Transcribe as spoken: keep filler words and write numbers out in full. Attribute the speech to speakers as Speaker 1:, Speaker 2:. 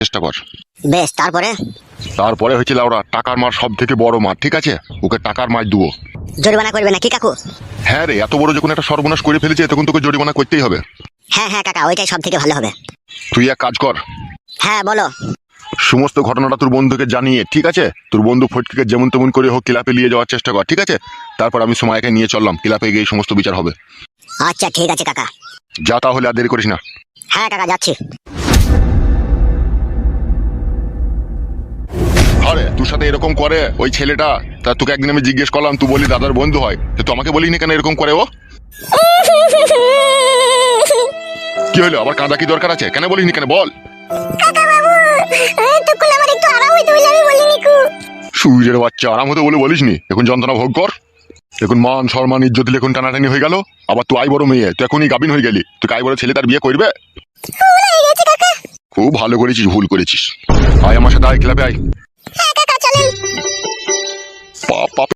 Speaker 1: চেষ্টা কর।
Speaker 2: বেশ, তারপরে?
Speaker 1: তারপরে হয়েছিল ওরা টাকার মার সব থেকে বড় মার, ঠিক আছে? ওকে টাকার মার দেবো।
Speaker 2: জরিমানা করবে নাকি কাকু?
Speaker 1: হ্যাঁ রে, এত বড় যখন একটা সর্বনাশ করে ফেলেছে তখন তোকে জরিমানা করতেই হবে।
Speaker 2: হ্যাঁ হ্যাঁ কাকা, ওইটাই সব থেকে ভালো হবে।
Speaker 1: তুই এক কাজ কর,
Speaker 2: হ্যাঁ বলো।
Speaker 1: সমস্ত ঘটনাটা তোর বন্ধুকে জানিয়ে, ঠিক আছে, তোর বন্ধু ফটকিকে যেমন তেমন করে হোক ক্লাবে নিয়ে যাওয়ার চেষ্টা কর, ঠিক আছে? তারপর আমি সময়কে নিয়ে চললাম, ক্লাবে গিয়ে সমস্ত বিচার হবে।
Speaker 2: আচ্ছা ঠিক আছে কাকা।
Speaker 1: যা তাহলে, আর দেরি করিস না।
Speaker 2: হ্যাঁ কাকা, যাচ্ছি।
Speaker 1: আরে তোর সাথে এরকম করে ওই ছেলেটা, তা তোকে একদিন আমি জিজ্ঞেস করলাম, তুই বলি দাদার বন্ধু হয়, তো তুই আমাকে বলিনি কেন এরকম করে ও? কি হলো, আবার কাঁদা কি দরকার আছে? কেন বলিনি কেন বল?
Speaker 2: কাকা বাবু, তখন আমার একটু আরাম হইতে বলে আমি বলিনি কু।
Speaker 1: সুইরের বাচ্চা, আরাম হতে বলে বলিসনি? এখন যন্ত্রণা ভোগ কর। এখন মান সম্মান ইজ্জত দিলে এখন টানাটানি হয়ে গেল। আবার তুই আই বড় মেয়ে, তুই এখনই গাবিন হয়ে গেলি, তুই আই বড় ছেলে তার বিয়ে করবে? খুব ভালো করেছিস, ভুল করেছিস। আয় আমার সাথে, আয় ক্লাবে আয়।
Speaker 2: হ্যাঁ কাকা, চলেন।